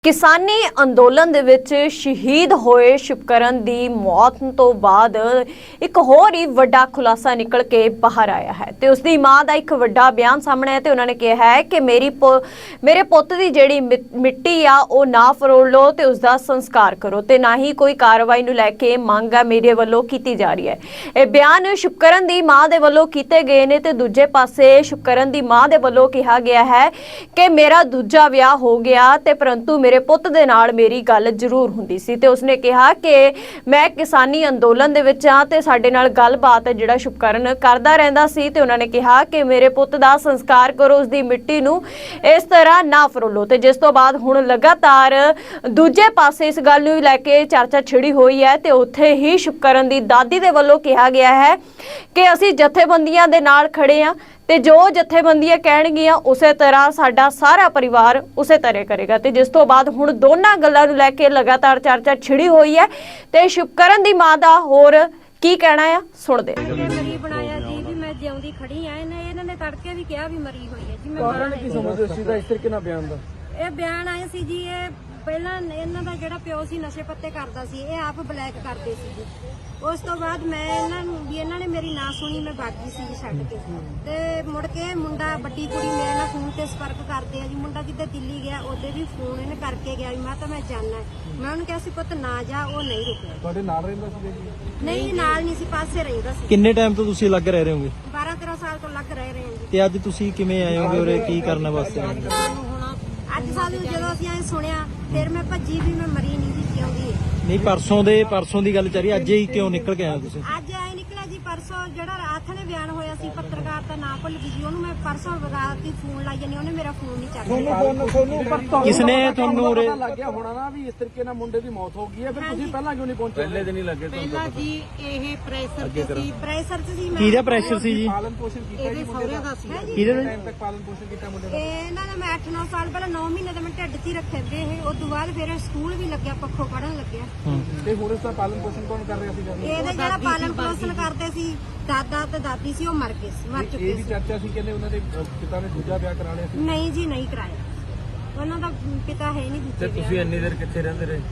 किसानी अंदोलन दे विच शहीद होए शुभकरण दी मौत तो बाद एक होर ही वड्डा खुलासा निकल के बाहर आया है ते उसदी मां दा एक वड्डा बयान सामने है ते उन्होंने कहा है कि मेरे पुत्त दी जेड़ी मिट्टी आ ओ ना फरोल लो ते उसदा संस्कार करो ते ना ही कोई कार्रवाई नूं लैके मंग आ मेरे वल्लों कीती जा रही है। ये बयान शुभकरण दी मां दे वल्लों कीते गए ने ते दूजे पासे शुभकरण दी मां दे वल्लों कहा गया है कि मेरा दूजा विआह हो गया ते परंतु मेरे पुੱਤ ਦੇ ਨਾਲ ਮੇਰੀ ਗੱਲ ਜ਼ਰੂਰ ਹੁੰਦੀ ਸੀ ਤੇ ਉਸਨੇ ਕਿਹਾ ਕਿ ਮੈਂ ਕਿਸਾਨੀ ਅੰਦੋਲਨ ਦੇ ਵਿੱਚ ਆ ਤੇ ਸਾਡੇ ਨਾਲ ਗੱਲਬਾਤ ਜਿਹੜਾ ਸ਼ੁਭਕਰਨ ਕਰਦਾ ਰਹਿੰਦਾ ਸੀ ਤੇ ਉਹਨਾਂ ਨੇ ਕਿਹਾ ਕਿ ਮੇਰੇ ਪੁੱਤ ਦਾ ਸੰਸਕਾਰ ਕਰੋ, ਉਸ ਦੀ ਮਿੱਟੀ ਨੂੰ ਇਸ ਤਰ੍ਹਾਂ ਨਾ ਫਰੋਲੋ ਤੇ ਜਿਸ ਤੋਂ ਬਾਅਦ ਹੁਣ ਲਗਾਤਾਰ ਦੂਜੇ ਪਾਸੇ ਇਸ ਗੱਲ ਨੂੰ ਲੈ ਕੇ ਚਰਚਾ ਛਿੜੀ ਹੋਈ ਹੈ ਤੇ ਉੱਥੇ ਹੀ ਸ਼ੁਭਕਰਨ ਦੀ ਦਾਦੀ ਦੇ ਵੱਲੋਂ ਕਿਹਾ ਗਿਆ ਹੈ ਕਿ ਅਸੀਂ ਜਥੇਬੰਦੀਆਂ ਦੇ ਨਾਲ ਖੜੇ ਆ ਤੇ ਜੋ ਜਥੇਬੰਦੀਆਂ ਕਹਿਣਗੀਆਂ ਉਸੇ ਤਰ੍ਹਾਂ ਸਾਡਾ ਸਾਰਾ ਪਰਿਵਾਰ ਉਸੇ ਤਰ੍ਹਾਂ ਕਰੇਗਾ ਤੇ ਜਿਸ ਤੋਂ ਬਾਅਦ ਹੁਣ ਦੋਨਾਂ ਗੱਲਾਂ ਨੂੰ ਲੈ ਕੇ ਲਗਾਤਾਰ ਚਰਚਾ ਛਿੜੀ ਹੋਈ ਹੈ ਤੇ ਸ਼ੁਭਕਰਨ ਦੀ ਮਾਂ ਦਾ ਹੋਰ ਕੀ ਕਹਿਣਾ ਆ ਸੁਣਦੇ ਮਰੀ ਬਣਾਇਆ ਜੀ ਵੀ ਮੈਂ ਜਿਉਂਦੀ ਖੜੀ ਆ ਇਹਨਾਂ ਨੇ ਤੜਕੇ ਵੀ ਕਿਹਾ ਵੀ ਮਰੀ ਹੋਈ ਹੈ ਜੀ। ਮੈਂ ਕਾਰਨ ਕੀ ਸਮਝਦੇ ਸੀ ਦਾ ਇਸ ਤਰੀਕੇ ਨਾਲ ਬਿਆਨ ਦਾ? ਇਹ ਬਿਆਨ ਆਏ ਸੀ ਜੀ, ਇਹ ਪਹਿਲਾਂ ਇਹਨਾਂ ਦਾ ਜਿਹੜਾ ਪਿਓ ਸੀ ਨਸ਼ੇ ਪੱਤੇ ਕਰਦਾ ਸੀ, ਇਹ ਆਪ ਬਲੈਕ ਕਰਦੇ ਸੀ ਜੀ। ਉਸ ਤੋਂ ਬਾਅਦ ਮੈਂ ਇਹਨਾਂ ਨੇ ਮੇਰੀ ਨਾ ਸੁਣੀ, ਮੈਂ ਬਾਗੀ ਸੀ ਜੀ ਛੱਡ ਕੇ ਤੇ ਮੁੜ ਕੇ ਮੁੰਡਾ ਵੱਡੀ ਕੁੜੀ ਮੇਰੇ ਨਾਲ ਫੋਨ ਤੇ ਸੰਪਰਕ ਕਰਦੇ ਆ ਜੀ। ਮੁੰਡਾ ਜਿੱਦੇ ਦਿੱਲੀ ਗਿਆ ਉਹਦੇ ਵੀ ਫੋਨ ਇਹਨੇ ਕਰਕੇ ਗਿਆ ਵੀ ਮੈਂ ਤਾਂ ਮੈਂ ਜਾਣਾ। ਮੈਂ ਉਹਨੂੰ ਕਿਹਾ ਸੀ ਪੁੱਤ ਨਾ ਜਾ, ਉਹ ਨਹੀਂ ਰੁਕਿਆ। ਤੁਹਾਡੇ ਨਾਲ ਰਹਿੰਦਾ ਸੀ ਜੀ? ਨਹੀਂ ਨਾਲ ਨਹੀਂ ਸੀ, ਪਾਸੇ ਰਹਿੰਦਾ ਸੀ। ਕਿੰਨੇ ਟਾਈਮ ਤੋਂ ਤੁਸੀਂ ਲੱਗ ਰਹੇ ਹੋਗੇ? 12-13 ਸਾਲ ਤੋਂ ਲੱਗ ਰਹੇ ਹਾਂ ਜੀ। ਤੇ ਅੱਜ ਤੁਸੀਂ ਕਿਵੇਂ ਆਏ ਹੋਗੇ ਉਰੇ, ਕੀ ਕਰਨ ਵਾਸਤੇ ਆਏ ਹੋ? ਅੱਜ ਸਾਨੂੰ ਜਦੋਂ ਅਸੀਂ ਐ ਸੁਣਿਆ ਫਿਰ ਮੈਂ ਭੱਜੀ ਵੀ ਮੈਂ ਮਰੀ ਨਹੀਂ ਜੀ, ਜਿਉਂਦੀ ਹੈ। ਨਹੀਂ ਪਰਸੋਂ ਦੀ ਗੱਲ ਚੱਲ ਰਹੀ, ਅੱਜ ਹੀ ਕਿਉਂ ਨਿਕਲ ਕੇ ਆਏ ਤੁਸੀਂ? ਅੱਜ ਐ ਨਿਕਲਿਆ ਜੀ, ਪਰਸੋਂ ਜਿਹੜਾ ਰਾਤ ਨੇ ਬਿਆਨ ਹੋਇਆ ਸੀ, ਪੱਤਰਕਾਰ ਦਾ ਨਾਂ ਭੁੱਲ ਗਈ ਜੀ ਉਹਨੂੰ। ਮੈਂ ਪਰਸੋਂ ਰਾਤ ਹੀ ਫੋਨ ਲਾਈ ਜਾਨੀ, ਉਹਨੇ ਮੇਰਾ ਫੋਨ ਨਹੀਂ ਚੱਕਿਆ। ਕਿਸਨੇ ਤੁਹਾਨੂੰ ਉਰੇ ਲੱਗ ਗਿਆ ਹੋਣਾ ਨਾ ਵੀ ਇਸ ਤਰੀਕੇ ਨਾਲ ਮੁੰਡੇ ਦੀ ਮੌਤ ਹੋ ਗਈ ਹੈ, ਫਿਰ ਤੁਸੀਂ ਪਹਿਲਾਂ ਕਿਉਂ ਨਹੀਂ ਪਹੁੰਚੇ? ਪਹਿਲੇ ਦਿਨ ਹੀ ਲੱਗੇ ਪਹਿਲਾਂ ਜੀ ਇਹ ਪ੍ਰੈਸ਼ਰ ਚ ਸੀ। ਕਿਹਦਾ ਪ੍ਰੈਸ਼ਰ ਸੀ ਜੀ? ਪਾਲਣ ਪੋਸ਼ਣ ਕੀਤਾ ਜੀ ਮੁੰਡੇ ਦਾ? ਕਿਹਦੇ ਟਾਈਮ ਤੱਕ ਪਾਲਣ ਪੋਸ਼ਣ ਕੀਤਾ ਮੁੰਡੇ ਦਾ? ਇਹਨਾਂ ਨੇ ਮੈਂ 8-9 ਸਾਲ ਪਹਿਲਾਂ 9 ਮਹੀਨੇ ਦਾ ਮੈਂ ਢਿੱਡ 'ਚ ਹੀ ਰੱਖੇ ਤੇ ਇਹ। ਉਸ ਤੋਂ ਬਾਅਦ ਫਿਰ ਸਕੂਲ ਵੀ ਲੱਗਿਆ, ਪੱਖੋਂ ਪੜਨ ਲੱਗਿਆ। ਤੇ ਹੁਣ ਇਸ ਦਾ ਪਾਲਣ ਪੋਸ਼ਣ ਕੌਣ ਕਰ ਰਿਹਾ ਸੀਗਾ? ਇਹਦੇ ਜਿਹੜਾ ਪਾਲਣ ਪੋਸ਼ਣ ਕਰਦੇ ਸੀ ਦਾਦਾ ਤੇ ਦਾਦੀ ਸੀ, ਉਹ ਮਰ ਗਏ ਸੀ, ਮਰ ਚੁੱਕੇ ਇਹ ਵੀ ਚਰਚਾ ਸੀ ਕਹਿੰਦੇ ਉਹਨਾਂ ਦੇ ਪਿਤਾ ਨੇ ਦੂਜਾ ਵਿਆਹ ਕਰਾ ਲਿਆ ਸੀ। ਨਹੀਂ ਜੀ, ਨਹੀਂ ਕਰਾਇਆ। ਉਹਨਾਂ ਦਾ ਪਿਤਾ ਹੈ ਨਹੀਂ ਦੂਜੇ। ਤੇ ਤੁਸੀਂ ਇੰਨੀ ਦੇਰ ਕਿੱਥੇ ਰਹਿੰਦੇ ਰਹੇ?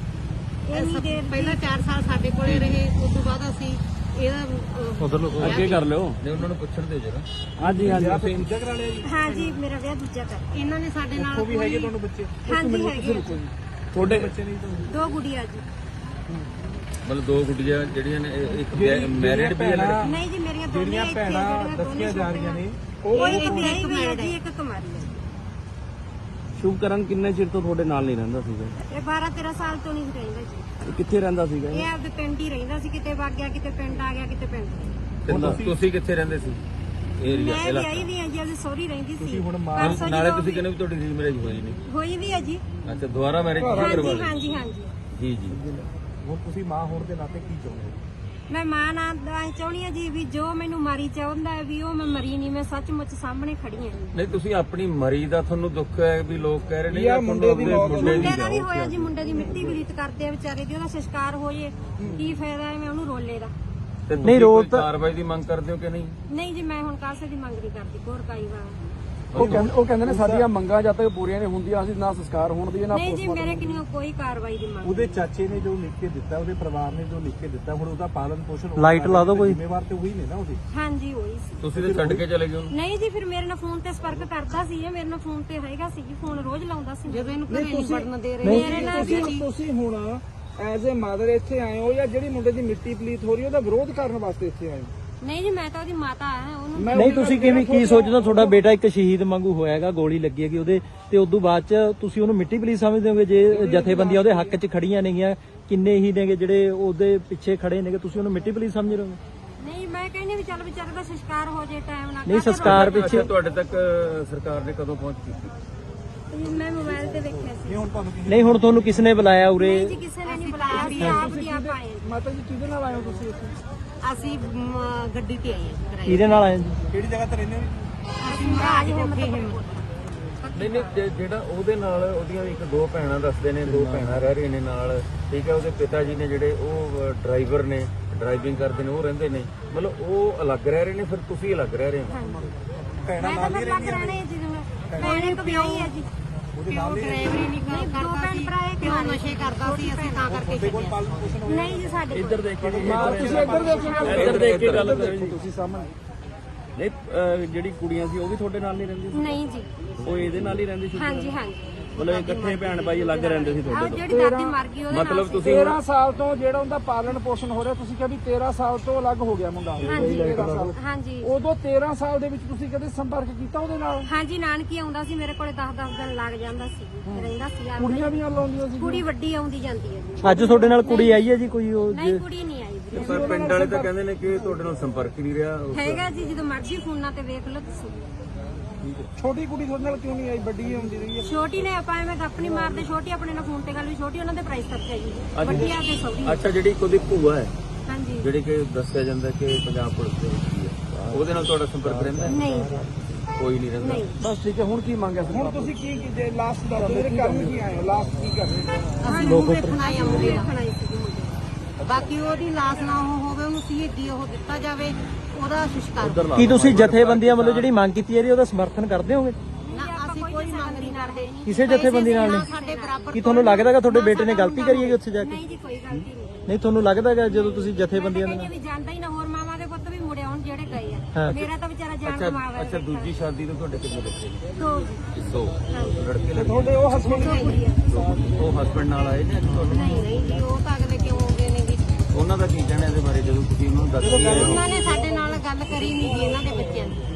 ਇੰਨੀ ਦੇਰ ਪਹਿਲਾਂ 4 ਸਾਲ ਸਾਡੇ ਕੋਲੇ ਰਹੇ, ਉਸ ਤੋਂ ਬਾਅਦ ਅਸੀਂ ਇਹਦਾ ਉਧਰ ਲੋਕ ਅੱਗੇ ਕਰ ਲਿਓ, ਨਹੀਂ ਉਹਨਾਂ ਨੂੰ ਪੁੱਛਣ ਦਿਓ ਜਰਾ। ਹਾਂਜੀ ਤੁਸੀਂ ਦੂਜਾ ਕਰਾ ਲਿਆ ਜੀ? ਹਾਂ ਜੀ, ਮੇਰਾ ਵਿਆਹ ਦੂਜਾ ਕਰ। ਇਹਨਾਂ ਨੇ ਸਾਡੇ ਨਾਲ ਉਹ ਵੀ ਹੈਗੇ ਤੁਹਾਨੂੰ ਬੱਚੇ? ਹਾਂਜੀ ਹੈਗੇ। ਤੁਹਾਡੇ ਬੱਚੇ ਨਹੀਂ ਤੁਹਾਨੂੰ? 2 ਗੁੜੀਆਂ ਜੀ। ਮਤਲਬ 2 ਗੁੱਡੀਆਂ ਜਿਹੜੀਆਂ ਨੇ, ਇੱਕ ਮੈਰਿਡ ਵੀ ਹੈ ਲੜਕੀ? ਨਹੀਂ ਜੀ, ਮੇਰੀਆਂ ਦੋਨੀਆਂ ਇੱਥੇ ਭੈਣਾਂ ਦੱਸੀਆਂ ਜਾ ਰਹੀਆਂ ਨੇ। ਉਹ ਇੱਕ ਵਿਆਹੀ ਹੋਈ ਹੈ ਜੀ, ਇੱਕ ਕੁਮਾਰੀ ਹੈ। ਸ਼ੁਭਕਰਨ ਕਿੰਨੇ ਚਿਰ ਤੋਂ ਤੁਹਾਡੇ ਨਾਲ ਨਹੀਂ ਰਹਿੰਦਾ ਸੀਗਾ? ਇਹ 12-13 ਸਾਲ ਤੋਂ ਨਹੀਂ ਰਹਿੰਦਾ ਜੀ। ਕਿੱਥੇ ਰਹਿੰਦਾ ਸੀਗਾ? ਇਹ ਆਪਦੇ ਪਿੰਡ ਹੀ ਰਹਿੰਦਾ ਸੀ, ਕਿਤੇ ਵਗ ਗਿਆ, ਕਿਤੇ ਪਿੰਡ ਆ ਗਿਆ, ਕਿਤੇ ਪਿੰਡ। ਤੁਸੀਂ ਕਿੱਥੇ ਰਹਿੰਦੇ ਸੀ? ਮੈਂ ਵਿਆਹੀ ਵੀ ਹਾਂ ਜੀ, ਆਪਦੇ ਸਹੁਰੀ ਰਹਿੰਦੀ ਸੀ। ਨਾਲੇ ਤੁਸੀਂ ਕਹਿੰਦੇ ਵੀ ਤੁਹਾਡੀ ਰੀਮੈਰਿਜ ਹੋਈ ਨਹੀਂ? ਹੋਈ ਵੀ ਹੈ ਜੀ। ਅੱਛਾ, ਦੁਬਾਰਾ ਮੈਰਿਜ ਕਰਵਾ ਲਈ? ਹਾਂਜੀ ਹਾਂਜੀ। ਜੀ ਜੀ। ਹੁਣ ਤੁਸੀਂ ਮਾਂ ਹੋਣ ਦੇ ਨਾਤੇ ਕੀ ਚਾਹੁੰਦੇ ਹੋ? ਮੈਂ ਮਾਂ ਨਾਲ ਚਾਹੁੰਦੀ ਹਾਂ ਜੀ ਵੀ ਜੋ ਮੈਨੂੰ ਮਾਰੀ ਚਾਹੁੰਦਾ ਹੈ ਵੀ ਉਹ ਮੈਂ ਮਰੀ ਨਹੀਂ, ਮੈਂ ਸੱਚਮੁੱਚ ਸਾਹਮਣੇ ਖੜੀ ਹਾਂ ਜੀ। ਨਹੀਂ, ਤੁਸੀਂ ਆਪਣੀ ਮਰੀ ਦਾ ਤੁਹਾਨੂੰ ਦੁੱਖ ਹੈ ਵੀ ਲੋਕ ਕਹਿ ਰਹੇ ਨੇ ਮੁੰਡੇ ਦਾ ਵੀ ਹੋਇਆ ਜੀ, ਮੁੰਡੇ ਦੀ ਮਿੱਟੀ ਵਿਲੀਤ ਕਰਦੇ ਆ ਵਿਚਾਰੇ ਦੀ, ਉਹਦਾ ਸੰਸਕਾਰ ਹੋ ਜੇ ਕੀ ਫਾਇਦਾ ਹੈ, ਮੈਂ ਉਹਨੂੰ ਰੋਲੇ ਦਾ। ਨਹੀਂ, ਰੋਲ ਕਾਰਵਾਈ ਦੀ ਮੰਗ ਕਰਦੇ ਹੋ ਕਿ ਨਹੀਂ? ਨਹੀਂ ਜੀ, ਮੈਂ ਹੁਣ ਕਾਸੇ ਦੀ ਮੰਗ ਨਹੀਂ ਕਰਦੀ, ਹੋਰ ਕਾਈ ਵਾਰ। ਉਹ ਕਹਿੰਦੇ ਨੇ ਸਾਡੀਆਂ ਮੰਗਾਂ ਜਦ ਤੱਕ ਪੂਰੀਆਂ ਨਹੀਂ ਹੁੰਦੀਆਂ ਅਸੀਂ ਨਾ ਸੰਸਕਾਰ ਹੋਣ ਦੀ ਨਾ। ਨਹੀਂ ਜੀ, ਮੇਰੇ ਕਿੰਨੀ ਕੋਈ ਕਾਰਵਾਈ ਦੀ ਮੰਗ। ਉਹਦੇ ਚਾਚੇ ਨੇ ਜੋ ਲਿਖ ਕੇ ਦਿੱਤਾ, ਉਹਦੇ ਪਰਿਵਾਰ ਨੇ ਜੋ ਲਿਖ ਕੇ ਦਿੱਤਾ, ਹੁਣ ਉਹਦਾ ਪਾਲਣ ਪੋਸ਼ਣ ਲਾਈਟ ਲਾ ਦਿਓ ਕੋਈ। ਜ਼ਿੰਮੇਵਾਰ ਤੇ ਉਹੀ ਨੇ ਨਾ ਉਹਦੀ। ਹਾਂਜੀ ਹੋਈ ਸੀ। ਤੁਸੀਂ ਤੇ ਛੱਡ ਕੇ ਚਲੇ ਗਏ ਉਹਨੂੰ? ਨਹੀਂ ਜੀ, ਫਿਰ ਮੇਰੇ ਨਾਲ ਫੋਨ ਤੇ ਸੰਪਰਕ ਕਰਦਾ ਸੀ, ਇਹ ਮੇਰੇ ਨਾਲ ਫੋਨ ਤੇ ਹੈਗਾ ਸੀ ਜੀ, ਫੋਨ ਰੋਜ਼ ਲਾਉਂਦਾ ਸੀ। ਜਦੋਂ ਇਹਨੂੰ ਘਰੇ ਨਹੀਂ ਵੜਨ ਦੇ ਰਹੇ, ਮੇਰੇ ਨਾਲ ਤੁਸੀਂ ਹੁਣ ਐਜ਼ ਅ ਮਦਰ ਇੱਥੇ ਆਏ ਹੋ ਜਾਂ ਜਿਹੜੀ ਮੁੰਡੇ ਦੀ ਮਿੱਟੀ ਪਲੀਤ ਹੋ ਰਹੀ ਉਹਦਾ ਵਿਰੋਧ ਕਰਨ ਵਾਸਤੇ ਇੱਥੇ ਆਏ ਹੋ? ਨਹੀਂ ਜੀ, ਮੈਂ ਤਾਂ ਉਹਦੀ ਮਾਤਾ ਆ। ਉਹਨੂੰ ਨਹੀਂ ਤੁਸੀਂ ਕਿਵੇਂ ਕੀ ਸੋਚਦੇ? ਤੁਹਾਡਾ ਬੇਟਾ ਇੱਕ ਸ਼ਹੀਦ ਵਾਂਗੂ ਹੋਇਆ ਹੈਗਾ, ਗੋਲੀ ਲੱਗੀ ਹੈਗੀ ਉਹਦੇ ਤੇ ਉਦੋਂ ਬਾਅਦ ਚ ਤੁਸੀਂ ਉਹਨੂੰ ਮਿੱਟੀ ਪਲੀਤ ਸਮਝਦੇ ਹੋਗੇ? ਜੇ ਜਥੇਬੰਦੀਆਂ ਉਹਦੇ ਹੱਕ 'ਚ ਖੜੀਆਂ ਨੇਗੀਆਂ, ਕਿੰਨੇ ਹੀ ਨੇਗੇ ਜਿਹੜੇ ਉਹਦੇ ਪਿੱਛੇ ਖੜੇ ਨੇਗੇ, ਤੁਸੀਂ ਉਹਨੂੰ ਮਿੱਟੀ ਪਲੀਤ ਸਮਝ ਰਹੇ ਹੋ? ਨਹੀਂ, ਮੈਂ ਕਹਿੰਦੀ ਵੀ ਚੱਲ ਵਿਚਾਰੇ ਦਾ ਸੰਸਕਾਰ ਹੋ ਜੇ ਟਾਈਮ ਨਾਲ। ਨਹੀਂ, ਸੰਸਕਾਰ ਪਿੱਛੇ ਤੁਹਾਡੇ ਤੱਕ ਸਰਕਾਰ ਨੇ ਕਦੋਂ ਪਹੁੰਚ ਕੀਤੀ? ਮੈਂ ਮੋਬਾਈਲ ਤੇ ਦੇਖਿਆ ਸੀ। ਨਹੀਂ, ਹੁਣ ਤੁਹਾਨੂੰ ਕਿਸ ਨੇ ਬੁਲਾਇਆ ਉਰੇ? ਨਹੀਂ ਜੀ, ਕਿਸੇ ਨੇ ਨਹੀਂ ਬੁਲਾਇਆ, ਅਸੀਂ ਆਪ ਦੀ ਆਪ ਆਏ। ਮਾਤਾ ਜੀ ਕਿਹਦੇ ਨਾਲ ਆਏ ਹੋ ਤੁਸੀਂ ਇੱਥੇ? ਅਸੀਂ ਗੱਡੀ ਤੇ ਆਏ ਹਾਂ ਕਿਰਾਏ। ਕਿਹਦੇ ਨਾਲ ਆਏ ਜੀ? ਕਿਹੜੀ ਜਗ੍ਹਾ ਤੇ ਰਹਿੰਦੇ ਹੋ? ਅਸੀਂ ਮਹਾਰਾਜ ਨਹੀਂ, ਜਿਹੜਾ ਉਹਦੇ ਨਾਲ ਉਹਦੀਆਂ ਇੱਕ 2 ਭੈਣਾਂ ਦੱਸਦੇ ਨੇ, 2 ਭੈਣਾਂ ਰਹਿ ਰਹੀਆਂ ਨੇ ਨਾਲ, ਠੀਕ ਹੈ। ਉਹਦੇ ਪਿਤਾ ਜੀ ਨੇ ਜਿਹੜੇ ਉਹ ਡਰਾਈਵਰ ਨੇ, ਡਰਾਈਵਿੰਗ ਕਰਦੇ ਨੇ, ਉਹ ਰਹਿੰਦੇ ਨੇ, ਮਤਲਬ ਉਹ ਅਲੱਗ ਰਹਿ ਰਹੇ ਨੇ, ਫਿਰ ਤੁਸੀਂ ਅਲੱਗ ਰਹਿ ਰਹੇ ਹੋ? ਭੈਣਾਂ ਨਾਲ ਹੀ ਰਹਿੰਦੀਆਂ ਨੇ ਜੀ। ਭੈਣ ਇੱਕ ਵਿਆਹੀ ਹੈ ਜੀ। ਪਿਓ ਡਰਾਈਵਰੀ ਨਹੀਂ ਕਰਦਾ ਸੀ, ਪਿਓ ਨਸ਼ੇ ਕਰਦਾ ਸੀ, ਅਸੀਂ ਤਾਂ ਕਰਕੇ ਛੱਡਿਆ। ਨਹੀਂ ਜੀ ਸਾਡੇ ਕੋਲ। ਇੱਧਰ ਦੇਖ ਕੇ ਜੀ, ਤੁਸੀਂ ਇੱਧਰ ਦੇਖੋ, ਇੱਧਰ ਦੇਖ ਕੇ ਗੱਲ ਕਰੋ ਜੀ। ਤੁਸੀਂ ਸਾਹਮਣੇ ਨਹੀਂ ਜਿਹੜੀ ਕੁੜੀਆਂ ਸੀ ਉਹ ਵੀ ਤੁਹਾਡੇ ਨਾਲ ਨਹੀਂ ਰਹਿੰਦੀ ਸੀ? ਨਹੀਂ ਜੀ, ਉਹ ਇਹਦੇ ਨਾਲ ਹੀ ਰਹਿੰਦੀ ਸੀ? ਹਾਂਜੀ ਹਾਂਜੀ। ਮਤਲਬ ਇਕੱਠੇ ਭੈਣ ਭਾਈ ਅਲੱਗ ਰਹਿੰਦੇ ਸੀ ਆਹ ਤੁਹਾਡੇ ਤੋਂ? ਜਿਹੜੀ ਦਾਦੀ ਮਰ ਗਈ ਉਹਦੇ ਨਾਲ ਮਤਲਬ ਸੀ। ਤੁਸੀਂ 13 ਸਾਲ ਤੋਂ ਜਿਹੜਾ ਉਹਦਾ ਪਾਲਣ ਪੋਸ਼ਣ ਹੋ ਰਿਹਾ, ਤੁਸੀਂ ਕਿਹਾ ਵੀ 13 ਸਾਲ ਤੋਂ ਅਲੱਗ ਹੋ ਗਿਆ ਮੁੰਡਾ। ਹਾਂਜੀ 13 ਸਾਲ। ਹਾਂਜੀ ਉਦੋਂ 13 ਸਾਲ ਦੇ ਵਿੱਚ ਤੁਸੀਂ ਕਦੇ ਸੰਪਰਕ ਕੀਤਾ ਉਹਦੇ ਨਾਲ? ਹਾਂਜੀ, ਨਾਨਕੀ ਆਉਂਦਾ ਸੀ ਮੇਰੇ ਕੋਲੇ 10-10 ਦਿਨ ਲੱਗ ਜਾਂਦਾ ਸੀ, ਰਹਿੰਦਾ ਸੀ ਆ। ਕੁੜੀਆਂ ਵੀ ਲਾਉਂਦੀਆਂ ਸੀ? ਕੁੜੀ ਵੱਡੀ ਆਉਂਦੀ ਜਾਂਦੀ ਹੈ ਜੀ। ਅੱਜ ਤੁਹਾਡੇ ਨਾਲ ਕੁੜੀ ਆਈ ਹੈ ਜੀ ਕੋਈ ਉਹ ਨਹੀਂ ਕੁੜੀ ਨਹੀਂ ਆਈ ਵੀਰੇ। ਪਰ ਪਿੰਡ ਵਾਲੇ ਤਾਂ ਕਹਿੰਦੇ ਨੇ ਕਿ ਤੁਹਾਡੇ ਨਾਲ ਸੰਪਰਕ ਹੀ ਨਹੀਂ ਰਿਹਾ। ਹੈਗਾ ਜੀ, ਜਦੋਂ ਮਰਜ਼ੀ ਫੋਨਾਂ ਤੇ ਵੇਖ ਲਓ ਤੁਸੀਂ। ਛੋਟੀ ਕੁੜੀ ਤੁਹਾਡੇ ਨਾਲ ਕਿਉਂ ਨਹੀਂ ਆਈ? ਵੱਡੀ ਆਉਂਦੀ ਰਹੀ ਹੈ। ਛੋਟੀ ਨੇ ਆਪਾਂ ਐਵੇਂ ਗੱਪ ਨਹੀਂ ਮਾਰਦੇ, ਛੋਟੀ ਆਪਣੇ ਨਾਲ ਫੋਨ ਤੇ ਗੱਲ ਵੀ, ਛੋਟੀ ਉਹਨਾਂ ਦੇ ਪ੍ਰਾਈਸ ਤੱਕ ਹੈ ਜੀ, ਵੱਡੀ ਆ ਕੇ ਸੌਦੀ। ਅੱਛਾ, ਜਿਹੜੀ ਉਹਦੀ ਭੂਆ ਹੈ, ਹਾਂਜੀ ਜਿਹੜੀ ਕਿ ਦੱਸਿਆ ਜਾਂਦਾ ਕਿ ਪੰਜਾਬ ਪੁਲਿਸ ਦੇ ਵਿੱਚ ਹੀ ਹੈ, ਉਹਦੇ ਨਾਲ ਤੁਹਾਡਾ ਸੰਪਰਕ ਰਹਿੰਦਾ ਹੈ? ਨਹੀਂ ਕੋਈ ਨਹੀਂ ਰਹਿੰਦਾ। ਨਹੀਂ। ਬਸ ਠੀਕ ਹੈ। ਹੁਣ ਕੀ ਮੰਗਿਆ? ਹੁਣ ਤੁਸੀਂ ਕੀ ਲਾਸਟ ਦਾ ਮੇਰੇ ਕਰਨ ਕੀ ਆਏ ਹੋ? ਲਾਸਟ ਕੀ ਕਰ ਰਹੇ ਹੋ? ਅਸੀਂ ਮੂੰਹ ਵੇਖਣ ਆਏ ਆ ਮੁੰਡੇ ਦਾ। ਬਾਕੀ ਉਹਦੀ ਲਾਸ਼ ਨਾ ਉਹ ਹੋਵੇ, ਉਹਨੂੰ ਸ਼ਹੀਦੀ ਉਹ ਦਿੱਤਾ ਜਾਵੇ, ਉਹਦਾ ਸੰਸਕਾਰ। ਕੀ ਤੁਸੀਂ ਜਥੇਬੰਦੀਆਂ ਵੱਲੋਂ ਜਿਹੜੀ ਮੰਗ ਕੀਤੀ ਹੈ ਉਹਦਾ ਸਮਰਥਨ ਕਰਦੇ ਹੋਗੇ? ਨਾ ਅਸੀਂ ਕੋਈ ਮੰਗ ਨਹੀਂ ਕਰਦੇ। ਕਿਸੇ ਜਥੇਬੰਦੀ ਨਾਲ ਨਹੀਂ? ਸਾਡੇ ਬਰਾਬਰ ਕੀ ਤੁਹਾਨੂੰ ਲੱਗਦਾ ਕਿ ਤੁਹਾਡੇ ਬੇਟੇ ਨੇ ਗਲਤੀ ਕਰੀ ਹੈ ਉੱਥੇ ਜਾ ਕੇ? ਨਹੀਂ ਜੀ, ਕੋਈ ਗਲਤੀ ਨਹੀਂ। ਨਹੀਂ ਤੁਹਾਨੂੰ ਲੱਗਦਾ ਕਿ ਜਦੋਂ ਤੁਸੀਂ ਜਥੇਬੰਦੀਆਂ ਮੈਂ ਦੇ ਕਹਿੰਦੀ ਵੀ ਜਾਂਦਾ ਹੀ ਨਾ, ਹੋਰ ਮਾਵਾਂ ਦੇ ਪੁੱਤ ਵੀ ਮੁੜੇ ਆਉਣ ਜਿਹੜੇ ਗਏ ਆ। ਹਾਂ। ਮੇਰਾ ਤਾਂ ਵਿਚਾਰਾ ਜਾਨ ਕਮਾਵਾ। ਅੱਛਾ, ਦੂਜੀ ਸ਼ਾਦੀ ਤੋਂ ਤੁਹਾਡੇ ਕਿੰਨੇ ਬੱਚੇ ਨੇ? ਦੋ ਦੋ ਲੜਕੇ ਲੜਕੀ? ਤੁਹਾਡੇ ਉਹ ਹਸਬੰਦ ਉਹ ਹਸਬੰਡ ਨਾਲ ਆਏ ਨੇ ਅੱਜ ਤੁਹਾਡੇ? ਨਹੀਂ ਨਹੀਂ ਜੀ, ਉਹ ਤਾਂ ਅਗਲੇ ਕਿਉਂ ਹੋ ਗਏ ਨੇ ਜੀ। ਉਹਨਾਂ ਦਾ ਕੀ ਕਹਿਣਾ ਇਹਦੇ ਬਾਰੇ ਜਦੋਂ ਤੁਸੀਂ ਉਹਨਾਂ ਨੂੰ ਦੱਸਿਆ? ਉਹਨਾਂ ਨੇ ਸਾਡੇ ਨਾਲ ਗੱਲ ਕਰੀ ਨਹੀਂ ਜੀ ਇਹਨਾਂ ਦੇ ਬੱਚਿਆਂ ਦੀ।